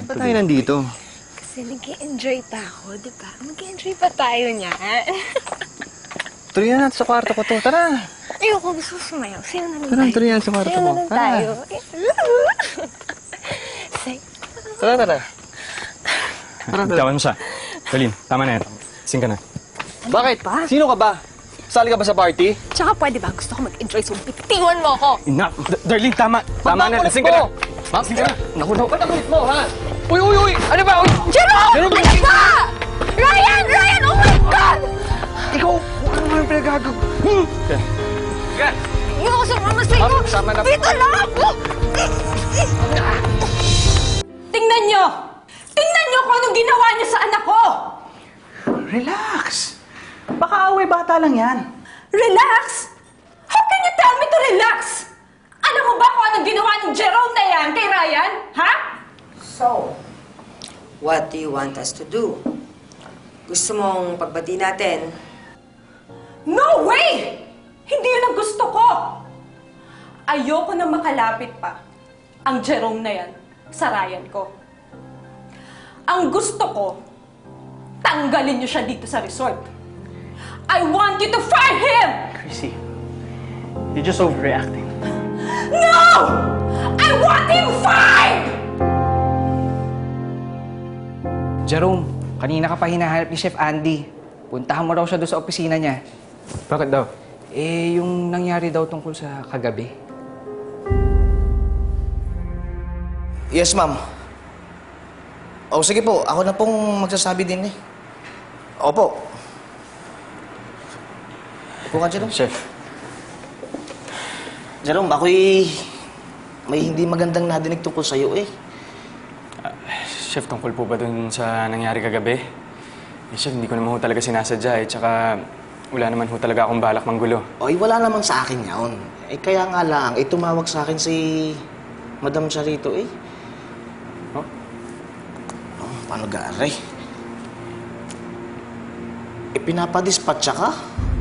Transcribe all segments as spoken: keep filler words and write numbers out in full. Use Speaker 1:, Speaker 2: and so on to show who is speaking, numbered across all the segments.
Speaker 1: Ba't tayo nandito?
Speaker 2: Kasi nag-enjoy pa ako, di ba? Mag-enjoy pa tayo niyan.
Speaker 1: Tuloy na natin sa kwarto ko to. Tara!
Speaker 2: Ayoko, gusto ko sumayaw. Sayo na lang
Speaker 1: Tara,
Speaker 2: tayo.
Speaker 1: tuloy na sa kwarto
Speaker 2: Sayo
Speaker 1: ko.
Speaker 2: na lang
Speaker 1: Tara.
Speaker 2: tayo. Say,
Speaker 1: Tara, tara. Tara, tara.
Speaker 3: Tawan mo siya. Colleen, tama na yan. Sing ka na.
Speaker 1: Bakit?
Speaker 2: pa?
Speaker 1: Sino ka ba? Sali ka ba sa party?
Speaker 2: tsaka pwede ba? Gusto ko mag-enjoy, so bitiwan mo ako.
Speaker 3: Enough! D- Darlene, tama! Tama na,
Speaker 1: Ba't
Speaker 3: lasing ka na!
Speaker 1: nakulit mo? Ma'am, sige na. Naku, naku. Ba't nakulit mo, ha? Uy, uy, uy! Ano ba? Uy!
Speaker 2: Jerome!
Speaker 1: Jerome,
Speaker 2: Ano ba? Ryan! Ryan! Oh my God!
Speaker 1: Ikaw! Ano naman yung pinagagag? Hmm? Sige.
Speaker 2: Ayoko sumama sa iyo.
Speaker 1: Ma'am, sama na-
Speaker 2: Dito lang ako!
Speaker 4: Tingnan nyo! Tingnan nyo kung anong ginawa niyo sa anak ko!
Speaker 5: Relax. Baka away bata lang yan.
Speaker 4: Relax? How can you tell me to relax? Alam mo ba kung anong ginawa ng Jerome na yan kay Ryan? Ha?
Speaker 6: So, what do you want us to do? Gusto mong pagbati natin?
Speaker 4: No way! Hindi yun ang gusto ko! Ayoko na makalapit pa ang Jerome na yan sa Ryan ko. Ang gusto ko, tanggalin niyo siya dito sa resort. I want you to fire him!
Speaker 5: Chrissy, you're just overreacting.
Speaker 4: No! I want him fired!
Speaker 7: Jerome, kanina ka pa hinahanap ni Chef Andy. Puntahan mo raw siya doon sa opisina niya.
Speaker 3: Bakit daw?
Speaker 7: Eh, yung nangyari daw tungkol sa kagabi.
Speaker 8: Yes, ma'am. O, sige po. Ako na pong magsasabi din eh. Opo. Upo ka, Jerome.
Speaker 3: Chef.
Speaker 8: Jerome, ako'y may hindi magandang nadinig tungkol sa'yo eh.
Speaker 3: Chef, tungkol po ba dun sa nangyari kagabi? Eh, Chef, hindi ko naman ho talaga sinasadya eh. Tsaka wala naman ho talaga akong balak manggulo.
Speaker 8: Oy, wala naman sa akin yaon. Eh, kaya nga lang, eh, tumawag sa akin si Madam Charito eh.
Speaker 3: Oh?
Speaker 8: Oh, paano gari? Eh, pinapadispatcha ka?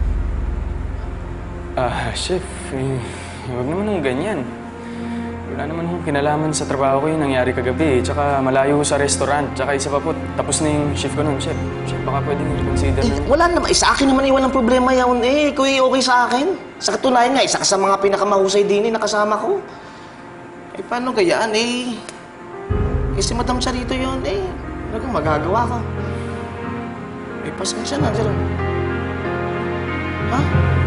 Speaker 3: Ah, Chef, eh, huwag naman hong ganyan. Wala naman hong kinalaman sa trabaho ko yung nangyari kagabi. Tsaka malayo ho sa restaurant. Tsaka isa pa po, tapos na yung shift ko nun, Chef. Chef, baka pwedeng i-consider
Speaker 8: Eh,
Speaker 3: na.
Speaker 8: wala naman. Eh, sa akin naman eh, walang problema yaon eh. Ikaw eh, okay sa akin. Sa katunayan nga, isa ka sa mga pinakamahusay din eh, nakasama ko. Eh, paano gayaan eh? Eh, si Madam Charito yun eh. Ano kung magagawa ko? Eh, pasensya na, Jerome. Ha?